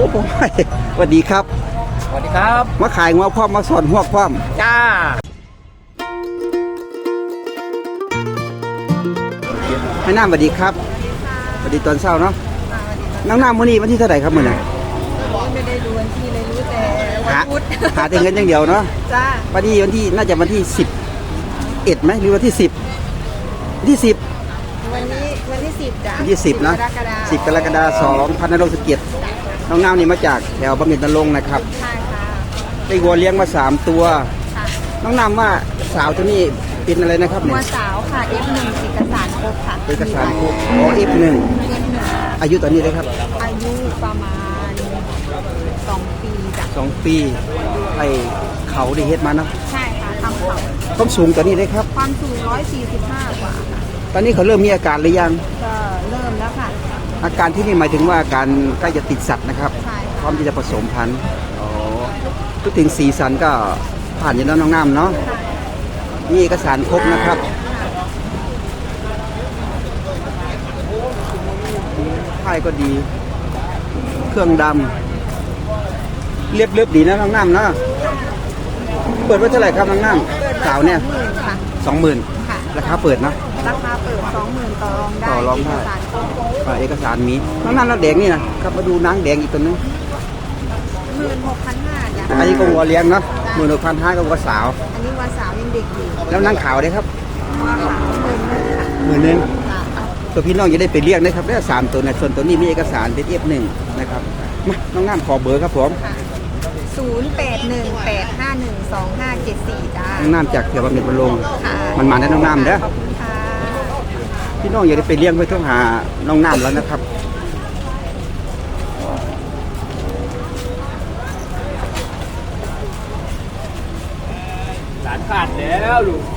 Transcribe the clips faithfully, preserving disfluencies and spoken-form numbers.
ผมสวัสดีครับสวัสดีครับมาขายงัวพร้อมมาสอนหัวพร้อมจ้าให้น้ำสวัสดีครับสวัสดีตอนเช้าเนาะน้ำน้ำมื้อนี้วันที่เท่าไหร่ครับมื้อนี้ไม่ได้ดูวันที่เลยรู้แต่วันพุธหาแต่เงินอย่างเดียวเนาะจ้าวันที่วันที่น่าจะวันที่สิบเอ็ดไหมหรือวันที่สิบที่สิบวันนี้วันที่สิบจ้าวันที่สิบนะสิบกรกฎาคมสองพันนรงค์สเกียรติน้องน้ำนี่มาจากแถวบำเหน็จนรงค์นะครับใช่ค่ะได้วัวเลี้ยงมาสามตัวน้องน้ำว่าสาวตัวนี้เป็นอะไรนะครับวัวสาวค่ะ เอฟ หนึ่ง เอกสารครบค่ะเอกสารครบอ๋อ เอฟ หนึ่ง อายุตอนนี้เลยครับอายุประมาณสองปีจ้ะสองปีไอเขาได้เฮ็ดมาเนาะใช่ค่ะทำเขาความสูงตอนนี้เลยครับความสูงร้อยสี่สิบห้ากว่าค่ะตอนนี้เขาเริ่มมีอาการหรือยังก็เริ่มแล้วค่ะอาการที่นี่หมายถึงว่าอาการใกล้จะติดสัตว์นะครับใช่พร้อมที่จะผสมพันธุ์อ๋อพูดถึงสีสันก็ผ่านอยู่แล้วน้องน้ำเนาะนี่เอกสารครบนะครับไพ่ก็ดีเครื่องดำเรียบเรียบดีนะน้องน้ำนะเปิดไว้เท่าไหร่ครับน้องน้ำสาวเนี่ยสองหมื่นราคาเปิดนะราคาเปิดสองหมื่นต่อรองได้ต่อรองได้เอกสารมีน้องน้ำแล้วแดงนี่นะครับมาดูนางแดงอีกตัวนึงหมื่นหกพันห้าจ้ะอันนี้ก็วัวเลี้ยงเนาะหมื่นหกพันห้าก็วัวสาวอันนี้วัวสาวยังเด็กอยู่แล้วนางขาวได้ครับวัวขาวหมื่นหนึ่งตัวพี่น้องจะได้ไปเรียกนะครับได้สามตัวนะส่วนตัวนี้มีเอกสารเป็น เอฟ หนึ่ง นะครับมาน้องน้ำขอเบอร์ครับผมศูนย์ แปด หนึ่ง แปด ห้า หนึ่ง สอง ห้า เจ็ด สี่จ้าน้องน้ำจากเขียวบำเหน็จบำรุงมันมาได้น้องน้ำเด้อพี่น้องอย่าได้ไปเลี้ยงไปต้องหาน้องน้ำแล้วนะครับหลานขาดแล้วลูก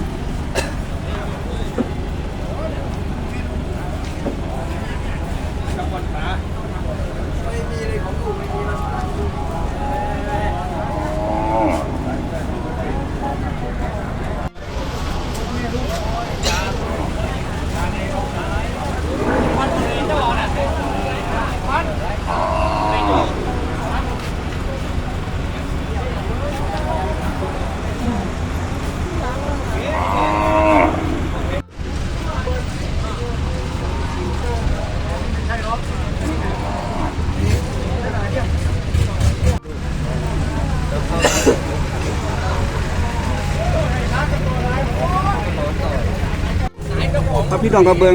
พระพี่น้องกระเบื้อง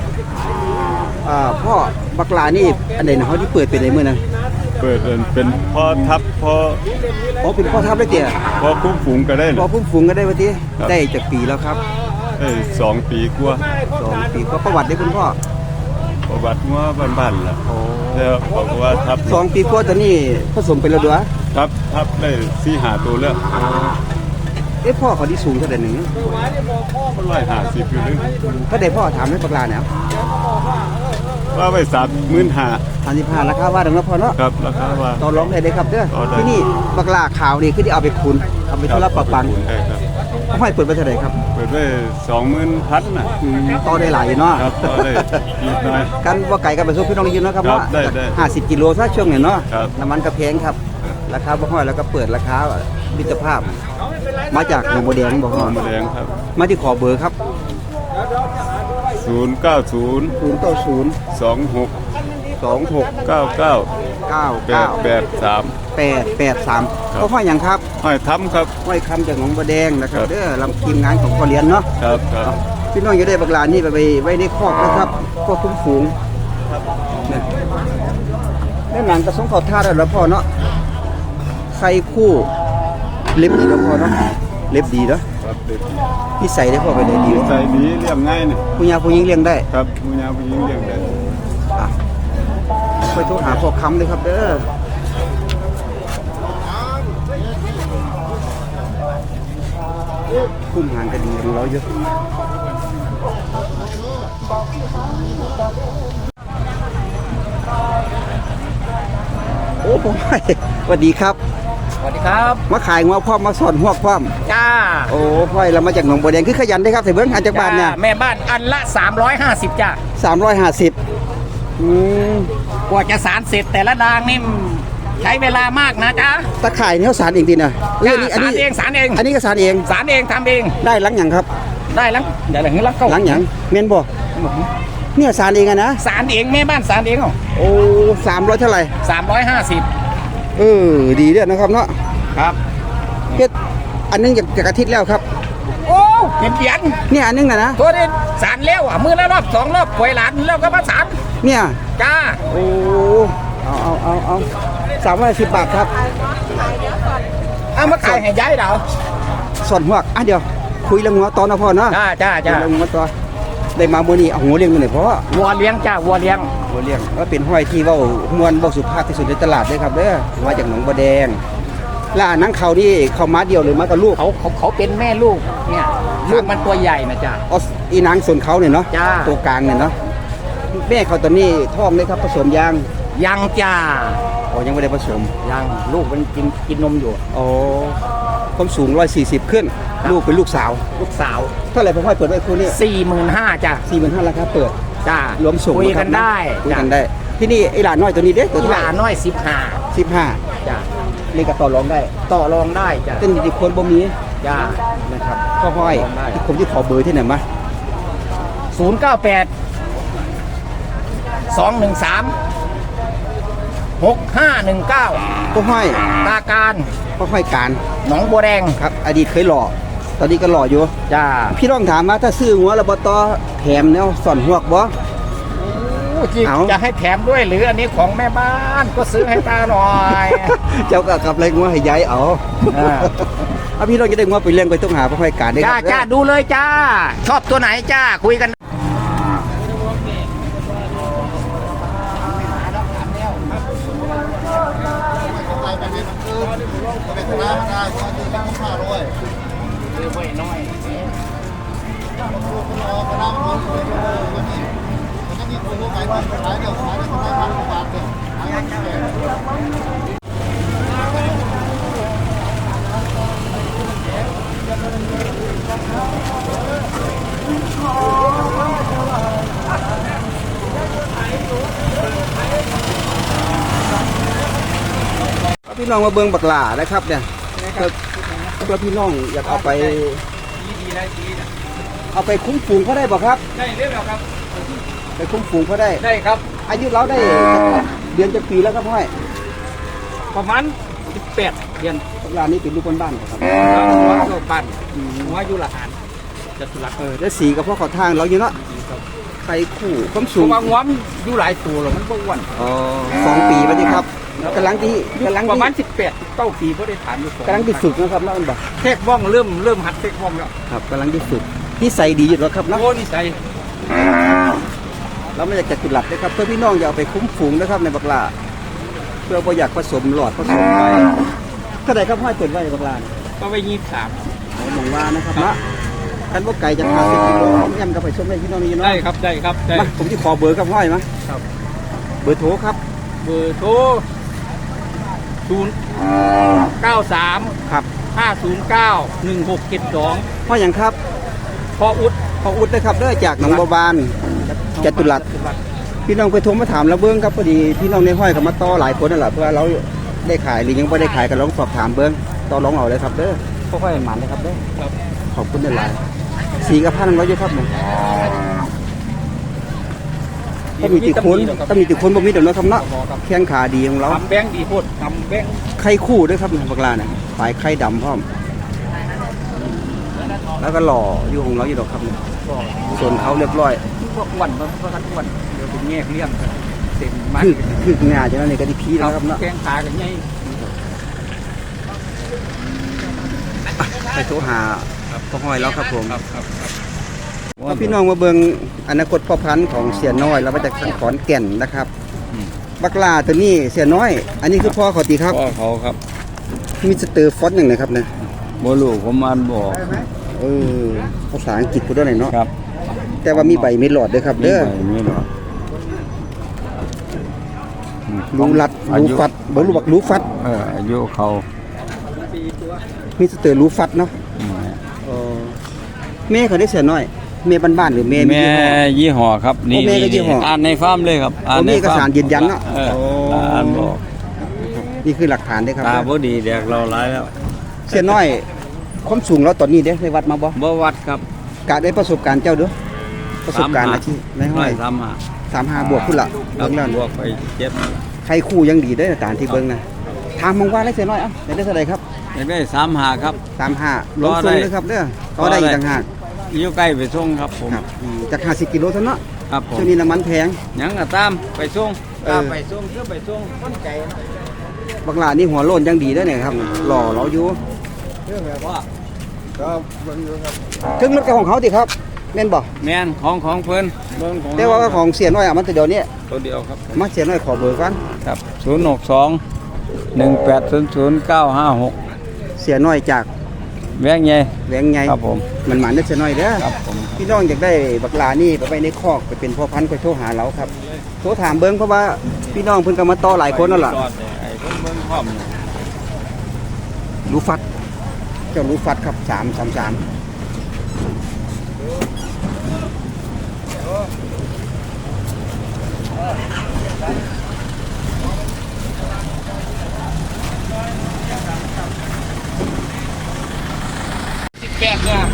พ่อบักลานี่อันไหนนะเขาที่เปิดเป็นในเมื่อนั้นเปิดเป็นพ่อทับพ่ออ๋อเป็นพ่อทับได้เตี่ยพ่อพุ่มฝูงก็ได้พ่อพุ่มฝูงก็ได้วะที่ได้จากปีแล้วครับได้สองปีกว่าสองปีก็ประวัติได้คุณพ่อประวัติว่าบ้านๆล่ะแล้วบอกว่าทับสองปีกว่าตอนนี้ผสมเป็นแล้วด้วยทับทับได้สี่หาตัวแล้วเอ๊ะพ่อเขาที่สูงเท่าไหร่หนึ่งร้อยห้าสิบอยู่นึงเขาได้พ่อถามให้ปลาเนี่ยว่าไปสามหมื่นห้าสามสิบห้าราคาว่าดังนั้นพอเนาะครับราคาว่าต่อรองได้เลยครับเด้อที่นี่ปลาขาวนี่คือที่เอาไปคุณเอาไปทุรับประปังเขาให้เปิดไปเท่าไหร่ครับเปิดไปสองหมื่นพันนะต่อได้หลายเนาะครับต่อได้นิดหน่อยกันว่าไก่กับไปซุปพี่น้องยินนะครับว่าห้าสิบกิโลซะช่วงไหนเนาะน้ำมันกระเพงครับราคาบ่ห้อยแล้วก็เปิดราคามิตรภาพมาจากหนองบัวแดงบอกหนองบัวแดงครับมาที่ขอเบอร์ครับศูนย์เก้าศูนย์ศูนย์เก้าศูนย์สองหกสองหกเก้าเก้าเก้าแปดแปดสามแปดแปดสามเขาห้อยอย่างครับห้อยทำครับห้อยคำจากหนองบัวแดงนะครับเด้อลำทีมงานของพ่อเลี้ยนเนาะครับครับพี่น้องจะได้บักลานี่ไปไว้ในคอกนะครับพวกคุ้มฝูงนี่หนังกระสงเขาท่าได้แล้วพ่อเนาะใส่คู่เล็บดีแล้วพ่อเนาะเล็บดีเนาะพี่ใส่ได้พ่อไปเลยดีใส่ดีเลี้ยงง่ายนี่ผู้ยาผู้หญิงเลี้ยงได้ครับผู้ยาผู้หญิงเลี้ยงได้ไปโทรหาพ่อค้ำเลยครับเด้อคุ้มหางกันดีของเราเยอะโอ้ผมสวัสดีครับสวัสดีครับมาขายงัวพร้อมมาสอนหัวพร้อมจ้าโอ้พ่อยเรามาจากหนองบัวแดงคือขยันได้ครับเสเบิ้งอาจากบ้านเนี่ยแม่บ้านอันละสามร้อยห้าสิบจ้าสามร้อยห้าสิบอืมกว่าจะสารเสร็จแต่ละดางนี่ใช้เวลามากนะจ๊ะตะข่ายนี่เขาสารเองดีนะเอออันนี้อันสารนี้เองสารเองอันนี้ก็สารเองสารเองทำเองได้หลังหยังครับได้แล้วเดี๋ยวหลังนี้แล้วก็หลังหยังเมนบ่เนี่ยสารเองอะนะสารเองแม่บ้านสารเองเหรอโอ้สามร้อยเท่าไหร่สามร้อยห้าสิบเออดีเด้อนะครับเนาะครับเฮ็ดอันนึงจากจากอาทิตย์แล้วครับโอ้เขียนเขียนเนี่ยอันนึงน่ะนะตัวนี้สารเลี้ยวอ่ะมือละรอบสองรอบปล่อยหลานแล้วก็มาสารเนี่ยจ้าโอ้เอาเอาเอาเอาสามร้อยสิบบาทครับเอามาขายให้ย้ายเราส่วนหัวกอ่ะเดี๋ยวคุยเรื่องหัวตอนนะพ่อเนาะจ้าจ้าจ้าเรื่องหัวตอนได้มามื้อนี้เอาหัวเลี้ยงมาหน่อยพ่อวัวเลี้ยงจ้าวัวเลี้ยงหัวเลี้ยงว่าเป็นห้อยที่เว้ามวนเว้าสุภาพที่สุดในตลาดเลยครับเด้อมาจากหนองบัวแดงแล้วอันนั้นเขานี่เขามาเดียวหรือมากับลูกเขาเขาเขาเป็นแม่ลูกเนี่ยลูกมันตัวใหญ่นะจ้าออสอีนางส่วนเขาเนี่ยเนาะจ้าตัวกลางเนี่ยเนาะแม่เขาตอนนี้ท้องเลยครับผสมยางยังจ้าอ๋อยังไม่ได้ผสมยังลูกมันกินกินนมอยู่อ๋อความสูงร้อยสี่สิบขึ้นครับลูกเป็นลูกสาวลูกสาวเท่าไหร่ผมให้เปิดไว้คู่นี้สี่หมื่นห้าจ้าสี่หมื่นห้าราคาเปิดจ้ารวมส่งคุยะคกัรับนได้คุยจ้ากันได้ ที่นี่ไอ้หลานน้อยตัวนี้เด็กตัวที่เท่าหไหลาร่น้อยสิบห้าสิบห้าจ้าเล่นกับต่อรองได้ต่อรองได้จ้าเต้นดีคนบ่มีจ้านะครับก็ห้อยต่อรองได้ผมจะขอเบอร์ที่ไหนมาศูนย์เก้าแปดสองหนึ่งสามหกห้าหนึ่งเก้าก็ห้อยตาการก็ห้อยการหนองบัวแดงครับ อดีตเคยหล่อตอนนี้ก็หล่ออยู่จ้าพี่น้องถามว่าถ้าซื้อหัวระบตอแถมแนวสอนหัวกบ่ที่เอาจะให้แถมด้วยหรืออันนี้ของแม่บ้านก็ซื้อให้ตาหน่อยเจ้าก็กลับเลยงัวให้ยายเอาอ่าเอาพี่น้องจะได้งัวไปเลี้ยงไปต้องหาพ่อห้อยการได้คจ้ารับจ้าดูเลยจ้า ชอบตัวไหนจ้า คุยกันเอาพี่น้องมาเบิ่งบักหล่านะครับเนี่ยเพื่อเพื่อพี่น้องอยากเอาไป เอาไปคุ้มฝูงเขาได้บ่ครับได้เรียบร้อยครับไปคุ้มฝูงเขาได้ได้ครับอายุเราได้เดือนจะปีแล้วครับพ่อยประมาณสิบแปดเดือนบักหล่านี่เป็นลูกบ้านๆครับหัวก็ปั่นหัวอยู่ละหันจะสุรักเออแล้วสีกับพ่อขอทางเราอยู่เนาะไข่คู่ความผสูงมว่าหัวมันอยู่หลายตัวหรอกมันบ่อ้วนอ๋อสองปีไปดีครับกำลังที่กำลังประมาณที่สิบแปดเก้าปีก็ได้ถามอยู่กำลังที่ฝึกนะครับเนาะมันบอกเทคว่องเริ่มเริ่มหัดเทคว่องแล้วครับกำลังที่ฝึกที่ใส่ดีอยู่แล้วครับเนาะโอ้นี่ใจเราไม่อยากจะจุดหลับนะครับเพื่อพี่น้องอย่าเอาไปคุ้มฝูงนะครับในบักหลาเพื่อบ่อยากผสมหลอดผสมไปเท่าไหร่ครับห้อยเปิดไว้บักหลาก็ไปยี่สิบสามหมองว่านะครับนะคันว่าไก่จะพาสิบกิโลย่ำกับไปชมให้พี่น้องนี่เนาะได้ครับได้ครับได้มาผมจะขอเบอร์ครับห้อยมาครับเบอร์โทรครับเบอร์โทรศูนย์เก้าสามครับห้าศูนย์เก้าหนึ่งหกเจ็ดสองห้อยอย่างครับพออุดพออุดนะครับเด้อจากหนองบัวบาน จตุรัส พี่น้องไปโทรมาถามแล้วเบิ้งครับพอดีพี่น้องในห้อยเขามาต่อหลายคนนั่นแหละเพื่อเราได้ขายหรือยังไม่ได้ขายก็ลองสอบถามเบิ้งต่อรองเอาเลยครับเด้อค่อยๆหมันเลยครับเด้อครับขอบคุณหลายสีกับพันร้อยเยอะครับเนี่ยต้องมีติดคนต้องมีติดคนบ่มีเดี๋ยวนะครับเนาะแข้งขาดีของเราทำแบงค์ดีโพดทำแบงค์ไข่คู่ด้วยครับบักลาเนี่ยปลายไข่ดำพร้อม แล้วก็หล่ออยู่ของเราอยู่ดอกครับเนี่ยส่วนเขาเรียบร้อยพวกอ้วันมันก็อ้วันเดี๋ยวเป็นแง่เลี้ยงเต็มมันคือคืองานจะนั่นนี่ก็ที่พีแล้วครับเนาะแข้งขากันไงไปโทรหาพ่อห้อยแล้วครับผมครับครับครับเอาพี่น้องมาเบิ่งอนาคตพ่อพันธุ์ของเสียน้อยเรามาจากทางขอนแก่นนะครับบักลาตัวนี้เสียน้อย อันนี้คือพ่อเขาตีครับพ่อเขาครับมีสเตอร์ฟอนต์หนึ่งนะครับเนี่ยบ่รู้ผมอ่านบ่ออกเออภาษาอังกฤษพูดได้หน่อยเนาะครับแต่ว่ามีใบมีหลอดด้วยครับมีเด้อใบมีหรอรู้รัดอารู้ยุฟัดบ่รู้บักรู้ฟัดเอออายุเขามีสเตอร์รู้ฟัดเนาะอืมเออแม่เขาได้เสียน้อยเมย์บ้านๆหรือเมย์แม่ยี่ห้อครับนี่โอ้แม่ก็ยี่ห้ออ่านในฟาร์มเลยครับโอ้มีเอกสารยืนยันเนาะเออโอ้อ่านบอกนี่คือหลักฐานเด้อครับตาบ่ดีแดกเราหลายแล้วเสียน้อยความสูงเราตอนนี้เด้ได้วัดมาบ่บ่วัดครับกะได้ประสบการณ์เจ้าเด้อประสบการณ์อาชีพในห้อยสามห้าสามห้าบวกพุ่นละครัเบิ่บงแล้วบวกไปเจ็บใครคู่ยังดีได้อตามที่เบิ่งนะถามมองว่าไรเสียน้อยเอ้าได้เท่าไหร่ครับอยากได้สามห้าครับสามห้าลงก็ทุได้นเลยครับเด้อก็ได้อีกต่างหากอยู่ใกล้ไปส่งครับผมครับอืมจากห้าสิบกิโลเท่านั้นเนาะครับผมช่วงนี้น้ำมันแพงหยังก็ตามไปส่งเออตามไปส่งคือไปส่งคนใจนะบักหลานี่หัวโล้นยังดีได้อเนี่ยครับหล่อเราอยู่เรื่องแบบว่าเครื่องรถกับของเขาติครับแม่นบ่แม่นของของเพิ่นเบิ่งของแต่ว่าของเสียน้อยอ่ะมันแต่เดี๋ยวนี้ตัวเดียวครับมาเสียน้อยขอเบอร์ก่อนครับศูนย์หกสองหนึ่งแปดศูนย์ศูนย์เก้าห้าหกเสียน้อยจากแวงใหญ่แหวงไงครับผมมันหมานได้เสียน้อยเด้อครับผมพี่น้องอยากได้บักหลานี่ไปไว้ในคอกไปเป็นพ่อพันธุ์ก็โทรหาเราครับโทรถามเบิ่งเพราะว่าพี่น้องเพิ่นก็มาต่อหลายคนนั่นล่ะจอดเนี่ยไอ้เพิ่นเบิ่งพร้อมเนี่ยรู้ฟัดเจ้ารู้ฟัดครับสามสามสามสิบแปดเนี่ย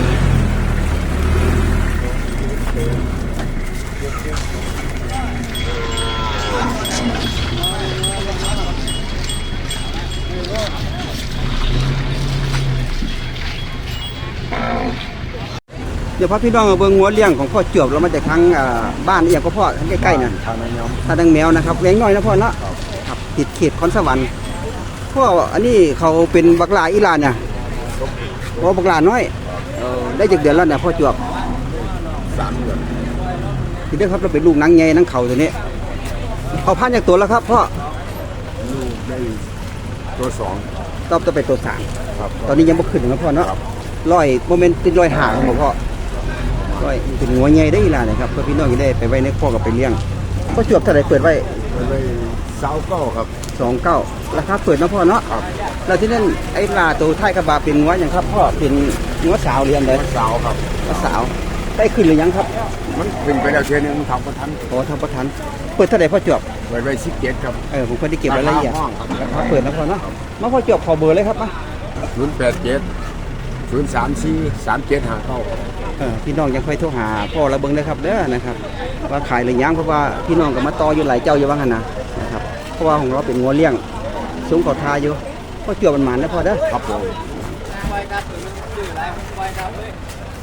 เดี๋ยวพาพี่น้องเอาเบิ่งหัวเลี้ยงของพ่อเจือบเรามาจากทางอ่าบ้านอีหยังก็พ่อทางใกล้ๆน่ะทางนั้นยอมทางดังแมวนะครับแหวงน้อยนะพ่อเนาะครับติดเขตคอนสวรรค์พ่ออันนี้เขาเป็นบักหลาอีหลานน่ะพ่อบักหลาน้อยเออได้จากเดือนแล้วน่ะพ่อเจือบสามเดือนทีเดียวครับเราเป็นลูกนางใหญ่นางเขาตัวนี้เอาพันจากตัวแล้วครับพ่อลูกได้ตัวสองตอบจะเป็นตัวสามครับตอนนี้ยังบ่ขึ้นนะพ่อเนาะร้อยโมเมนต์ติดร้อยห่างของพ่อร้อยเป็นหัวใหญ่ได้อีหลานนะครับเพื่อพี่น้องจะได้ไปไว้ในคอกกับไปเลี้ยงพ่อเจือบเท่าไหร่เปิดไว้ไปเลยสาวเก้าครับสองเก้าราคาเปิดนะพ่อเนาะครับแล้วที่นั่นไอ้ปลาตัวท้ายกระบะเป็นงัวอย่างครับพ่อเป็นงัวสาวเรียนเลยสาวครับงัวสาวได้ขึ้นหรือยังครับมันขึ้นไปแล้วเทียนึงทำประทันโอ้ทำประทันเปิดเท่าไหร่พ่อจบไว้ไว้สิบเจ็ดครับเออผมก็ได้เก็บรายละเอียดห้องครับราคาเปิดนะพ่อเนาะมาพ่อจบขอเบอร์เลยครับมาศูนย์แปดเจ็ดศูนย์สามสี่สามเจ็ดห้าเก้าเออพี่น้องยังค่อยโทรหาพ่อระเบิงเลยครับเด้อนะครับว่าขายหรือยังเพราะว่าพี่น้องก็มาต่ออยู่หลายเจ้าอยู่ว่างั้นนะนะครับเพราะว่าของเราเป็นงัวเลี้ยงสูงขอทาอยู่พ่อจบมันหมันนะพ่อเด้อครับผมไปครับซื้ออะไรไปครับเลย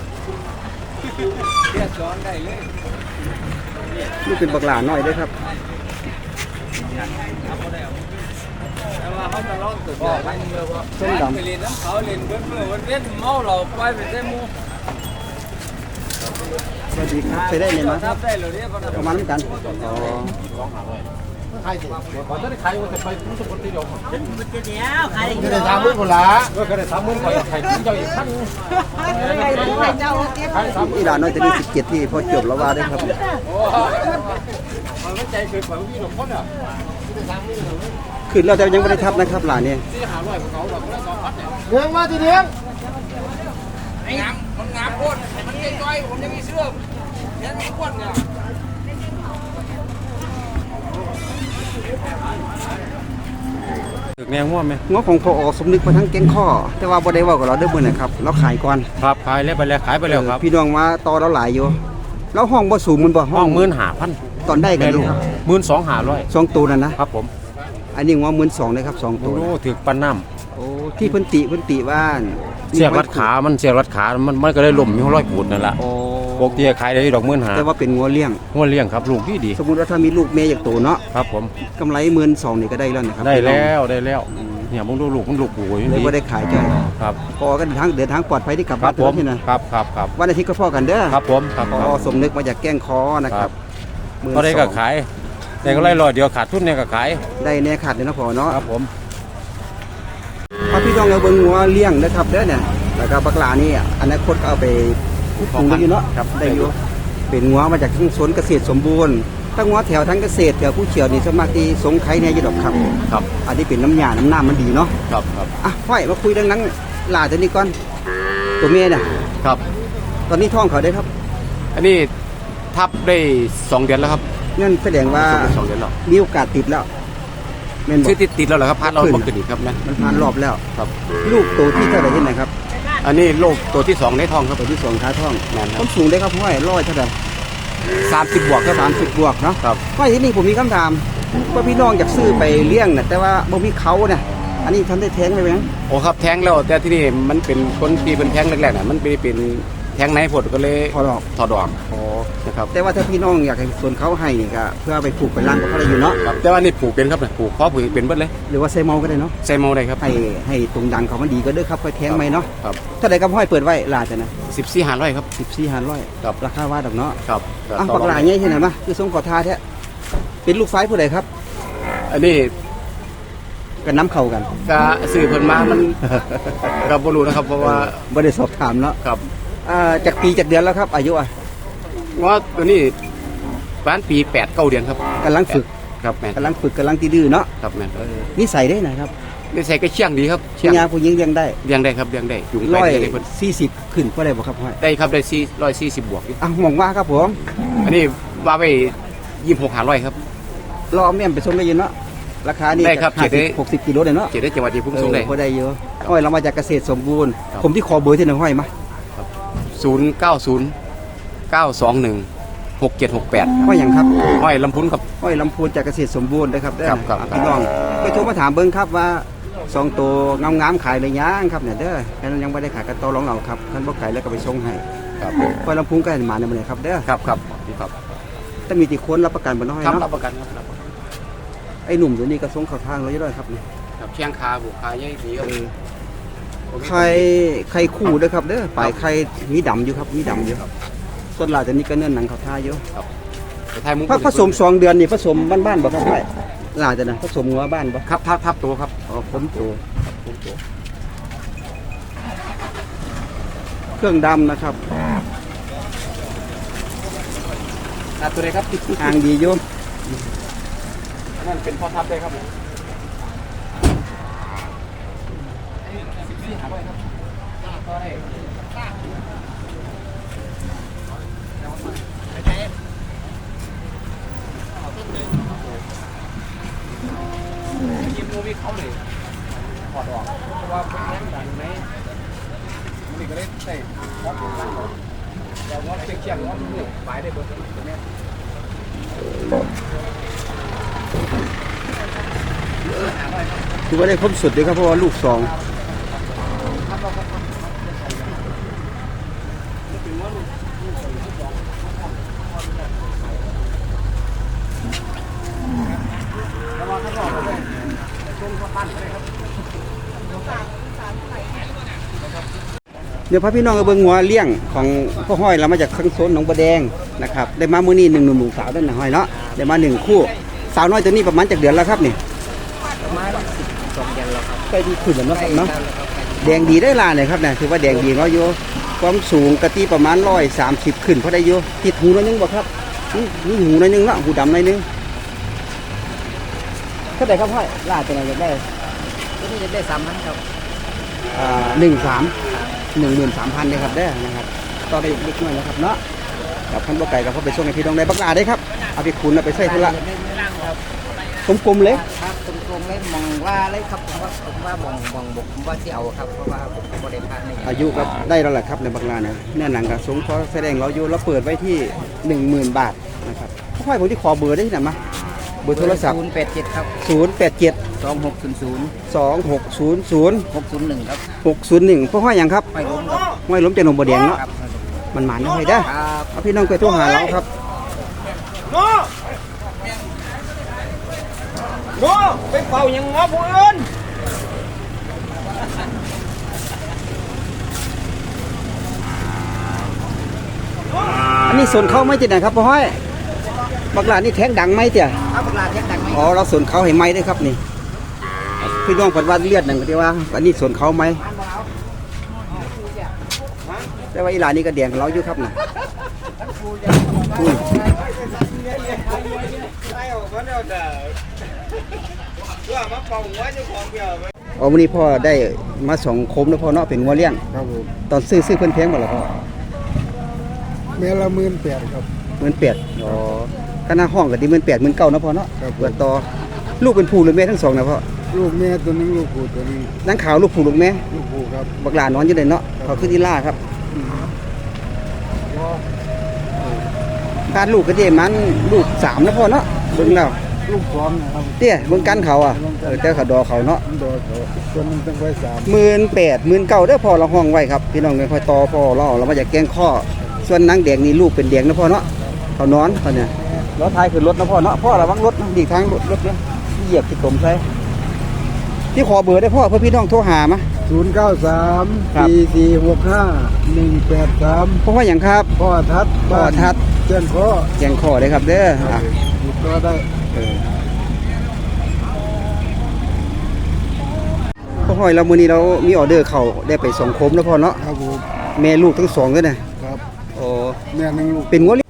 เรียกสอนได้เลยนี่เป็นบักหลาน้อยเด้อครับแต่ว่าเขาจะร้องตื่นเต้นไปเลยว่าส้มดำไปเรียนน้ำเขาเรียนเบิ้ลเบิ้ลวันเว้นเมาเราไปไปเส้นมูสวัสดีครับใช้ได้เลยมั้ยทับได้เลยเนี่ยประมาณนั้นกันอ๋อก็ได้สามหมื่นคนละก็ได้สามหมื่นคนละใครเจ้าอีกท่านอีหลานน้อยจะมีสิบเจ็ดที่พ่อจบแล้วว่าได้ครับมันไม่ใจเกินกว่าพี่หนุ่มคนอ่ะขึ้นเราแต่ยังไม่ได้ทับนะครับหลานเนี่ยที่หาร้อยของเขาแบบคนละสองพันเนี่ยเลี้ยงมาทีเดียวไอ้งามมันงามโคตรมันเก่งจ้อยผมยังมีเสื้อยังมีอ้วนเนี่ยถึกแนงง่วงไหมงอของพอสมนึกมาทั้งแก๊งข้อ แต่ว่าบ่ได้เว่ากับเราเด้อมื้อนะครับเราขายก่อนครับขายแล้วไปแล้วขายไปแล้วครับเออพี่น้องมาต่อเราหลายอยู่แล้วห้องบ่สูงมันบ่ห้องหมื่นห้าพันตอนได้กันอยู่ครับหมื่นสองห้าร้อยสองตัวนั่นนะครับผมอันนี้ว่าหมื่นสองเลยครับสองตัวโอ้นะถึกปันน้โอ้ที่เพิ่นติเพิ่นติว่าำเสียบรัดขา มันเสียบรัดขา มันมันก็เลยล่มมีร้อยปูดนั่นแหละโอ้ปกติขายได้ดอกหมื่นห้าแต่ว่าเป็นงัวเลี้ยงหัวเลี้ยงครับลูกดีดีสมมุติว่าถ้ามีลูกเมย์อย่างตัวเนาะครับผมกำไรหมื่นสองนี่ก็ได้แล้วนะครับได้แล้วได้แล้วเนี่ยมึงดูลูกมันลูกปูอยู่เลยดีบ่ได้ขายจ้อยครับพอกันเดินทางเดินทางปลอดภัยที่กลับครับ้าบนผมที่นะครับครับครับวันอาทิตย์ก็พ่อกันเด้อครับผมครับพอสมนึกมาจากแก้งคอนะครับหมื่นก็ได้สก็องขาย แต่ก็ไล่รอยเดียวขาดทุนเนี่ยก็ขายได้แน่ขาดเลยนะพ่อเนาะครับผมพอพี่น้องเอาเบิ่งงัวเลี้ยงนะครับเด้อเนี่ยแล้วก็บักหลานี่อนาคตก็เอาไปปลูกได้อยู่เนาะครับได้อยู่เป็นงัวมาจากทั้งสวนเกษตรสมบูรณ์ทั้งงัวแถวทั้งเกษตรแถวผู้เชี่ยวนี่สวนมากที่สงไข่เนี่ยอยู่ดอกครับครับอันนี้เป็นน้ำยาน้ำน้ำมันดีเนาะครับครับอ่ะห้อยมาคุยเรื่องนั้นหลาตัวนี้ก่อนตัวเมียน่ะครับตอนนี้ท้องเขาได้ครับอันนี้ทับได้สองเดือนแล้วครับนั่นแสดงว่าสองเดือนแล้วมีโอกาสติดแล้วแม่นบอชื่อก ติดติดแล้วเหรอครับพัดเราบังเกิดอีกครับนะมันผ่านรอบแล้วครับลูกโตที่เท่าไหร่ที่ไหนครับอันนี้โรคตัวที่สองในท้องครับตัวที่สองขาท้องแม่นคต้รับนสูงได้ครับพ่อยร้อยเท่าไหร่สามสิบบวกครับสามสิบบวกเนาะครับพ่อยที่นี่ผมมีคำถามว่าพี่น้องอยากซื้อไปเลี้ยงนะแต่ว่าบ่มีเขาเนี่ยอันนี้ทำได้แท้งไหมแบงโอ้ครับแท้งแล้วแต่ที่นี่มันเป็นคนที่เป็นแท้งแรกๆน่ะมันเป็นเป็นแท้งไหนผดก็เลยพอดอกถอดออกนะครับแต่ว่าถ้าพี่น้องอยากให้ส่วนเขาให้นี่ก็เพื่อเอาไปปลูกไปล้างก็เขาได้อยู่เนาะครับแต่ว่านี่ปลูกเป็นครับเนี่ยปลูกเพาะปลูกเป็นเบิดเลยหรือว่าใส่เมาก็ได้เนาะใส่เมาได้ครับให้ให้ตรงดังเขามันดีก็เด้อครับค่อยแท้งไหมเนาะครับถ้าใดกับห้อยเปิดไว้ลาจะนะสิบสี่หารร้อยครับสิบสี่ห้าร้อยครับราคาว่าดอกเนาะครับอ่ะปักหลายใหญ่ที่ไหนมาคือทรงขอทาแท้เป็นลูกไฟผู้ใดครับอันนี้กันน้ำเข้ากันก็สื่อเพิ่นมามันก็บ่รู้นะครับเพราะว่าบ่ได้สอบถามเนาะครับอ่าจากปีจากเดือนแล้วครับ อายุอ่ะว่าตัวนี้ประมาณปีแปดเก้าเดือนครับกำลังฝึกครับแม่นกำลังฝึกกำลังตีดื้อเนาะครับแม่นนิสัยได้นะครับนี่ใส่ก็เชี่ยงดีครับผู้ยาผู้หญิงเลี้ยงได้เลี้ยงได้ครับเลี้ยงได้ยุงไปร้อยเลี้ยงได้เพิ่นสี่สิบขึ้นก็ได้บ่ครับห้อยได้ครับได้สี่ร้อยสี่สิบบวกอยู่อ่ะหมองว่าครับผมอันนี้ว่าไปยี่สิบหกหาร้อยครับรอแม่มไปส่งได้ยินเนาะราคานี่ได้ครับห้าเจ็สิดบได้หกสิบกิโลเลยเนาะเจ็ดได้จังหวัดที่พุ่งส่งได้เออพอได้เยอะห้อยเรามาจากเกษตรสมบูรณ์ครับผมที่ขอเบอร์ที่หนึ่งห้อยมาศูนย์เก้าศูนย์เก้าสองหนึ่งหกเจ็ดหกแปดห้อยอย่างครับห้อยลำพุนครับห้อยลำพูนจากเกษตรสมบูรณ์นะครับเด้อครับครับอ่ะพี่น้องไปโทรมาถามเบิ้งครับว่าสองตัวงามๆขายเลยยังครับเนี่ยเด้อแค่นั้นยังไม่ได้ขายกันต่อรองเราครับท่านบ่ขายแล้วก็ไปส่งให้ครับห้อยลำพูนก็ให้มาในมือเลยครับเด้อครับครับครับถ้ามีติคนรับประกันบ่น้อยครับเนาะรับประกันครับรับประกันไอ้หนุ่มตัวนี้ก็ส่งเข้าทางเราอยู่ด้วยครับนี่ครับเชียงคาบุกคาใหญ่ดีครับไข่ไข่คู่เด้อครับเด้อปลายไข่มีดำอยู่ครับมีดำอยู่ส่วนหลายตัวนี้ก็เนื้อหนังเข้าท่าอยู่แต่ไทยมุ้งผผสมสองเดือนนี่ผสมบ้านๆบ่ครับห้อยหลายแต่นะผสมงัวบ้านบ่ครับทับทับตัวครับอ๋อผมโตผมตัวเครื่องดำนะครับอ่ะตัวไหนครับอ่างดีอยู่นั่นเป็นพ่อทับได้ครับยิ้มโมวิเขาเลยถอดออกเพราะว่าเป็นแง่ดังไหมมันก็เลยใส่พอดล่างเราว่าเชี่ยงๆว่ามันเหนื่อยไปได้เบอร์ตัวนี้คือว่าได้ครบสุดเลยครับเพราะว่าลูกสองเดี๋ยวพาพี่น้องเอาเบิ่งหัวเลี้ยงของพ่อห้อยเรามาจากข้างโซนหนองบัวแดงนะครับได้มามื้อนี้หนึ่งหนุ่มหนุ่มสาวด้วยนะห้อยเนาะได้มาหนึ่งคู่สาวน้อยตัวนี้ประมาณจากเดือนแล้วครับนี่ประมาณสองเดือนแล้วครับใกล้ที่ขึ้นแล้วเนาะครับเนาะแดงดีได้ลาเลยครับเนี่ยถือว่าแดงดีเนาะโยความสูงกะตีประมาณร้อยสามสิบขึ้นพอได้โยติดหูน้อยนึงบ่ครับนี่นี่หูน้อยนึงเนาะหูดำน้อยนึงเท่าไหร่ครับห้อยลาตัวไหนอยากได้ตัวนี้จะได้สามพันครับอ่าหนึ่งสามหนึ่งหมื่นสามพันเลยครับได้อนะครับต่อได้เล็กน้อยนะครับเนาะกับพันบ่ไก่กับพ่อไปส่งให้พี่น้องได้บักลาได้ครับเอาไปคุณเอาไปใส่ธุระกลมๆเลยครับตรงๆเลยมองว่าเลยครับผมว่าผมว่ามองมองบกผมว่าที่เอาครับเพราะว่าผมก็บ่ได้พลาดในอายุก็ได้แล้วแหละครับในบักลาเนี่ยแน่หนังกับสงเพราะแสดงเราอยู่เราเปิดไว้ที่หนึ่งหมื่นบาทนะครับพ่อผมที่ขอเบอร์ได้ที่ไหนมาเบอร์โทรศัพท์ศูนย์แปดเจ็ดครับศูนย์แปดเจ็ดสองหกศูนย์ศูนย์สองหกศูนย์ศูนย์หกศูนย์หนึ่งครับหกศูนย์หนึ่งพ่อห้อยหยังครับไม่ล้มครับห้อยล้มจากหนองบัวแดงเนาะครับมันหมานน้อยได้อครับเอาพี่น้องไปโทรหาเราครับโง่โง่ไปเป่ายังง้อผู้อื่นอันนี้ส่วนเขาไม่จิตนะครับพ่อห้อยบักลานี่แท้งดังไหมเตี่ยครับเวลาเช็คดังไหมอ๋อเราส่วนเขาให้ไหมด้วยครับนี่พี่น้องผัดว่าเลือดหนึ่งก็ที่ว่าอันนี้ส่วนเขาไหมแต่ว่าอีหลานนี่ก็แดงของเราอยู่ครับน่ะอุ้ยอ๋อวันนี้พ่อได้มาสองโคมแล้วพ่อเนาะเป็นงัวเลี้ยงครับผมตอนซื้อซื้อเพิ่นแพงหมดแล้วพ่อแม่ละหมื่นแปดครับหมื่นแปดอ๋อคณะห้องก็ดีหมื่นแปดหมื่นเก้านะพ่อเนาะครับผมเปิดต่อลูกเป็นผู้หรือแม่ทั้งสองนะพ่อลูกแม่ตัวหนึงลูกผู้ตัวหนึงนั่งขาวลูกผู้ลูกแม่ลูกผู้ครับบักหลานอนอยู่เลยเนาะเขาขึ้นที่ล่าครับการลูกก็เดมันลูกสามนะพ่อเนาะเบิ่งแล้วลูกสองนะครับเตี้ยเบิ่งกันเขาอ่ะเออแต่เขาดอเขาเนาะมันโดนเขาตัวหนึงตั้งไว้สามหมื่นแปดหมื่นเก้าเด้อพ่อเราห้องไว้ครับพี่น้องเนี่ยคอยต่อพ่อเราเรามาจากแกงข้อส่วนนางแดงนี่ลูกเป็นแดงนะพ่อเนาะเขานอนเขาเนี่ยรถท้ายคือรถนะพ่อเนาะพ่อระวังรถนะดีทางรถรถเนี่ยเหยียบที่ตมใส่ที่ขอเบอร์ได้พ่อเพื่อพี่น้องโทรหามาศูนย์เก้าสามครับสี่สี่หกห้าหนึ่งแปดสามพ่อว่าอย่างครับพ่อทัดพ่อทัดเจ้าพ่อแกงข้อเลยครับเด้ออ่ะติดต่อได้พ่อห้อยเรามื้อนี้เรามีออเดอร์เข้าได้ไปสองโคมแล้วพ่อเนาะครับผมแม่ลูกทั้งสองเลยนะครับโอ้แม่หนึ่งลูกเป็นงัว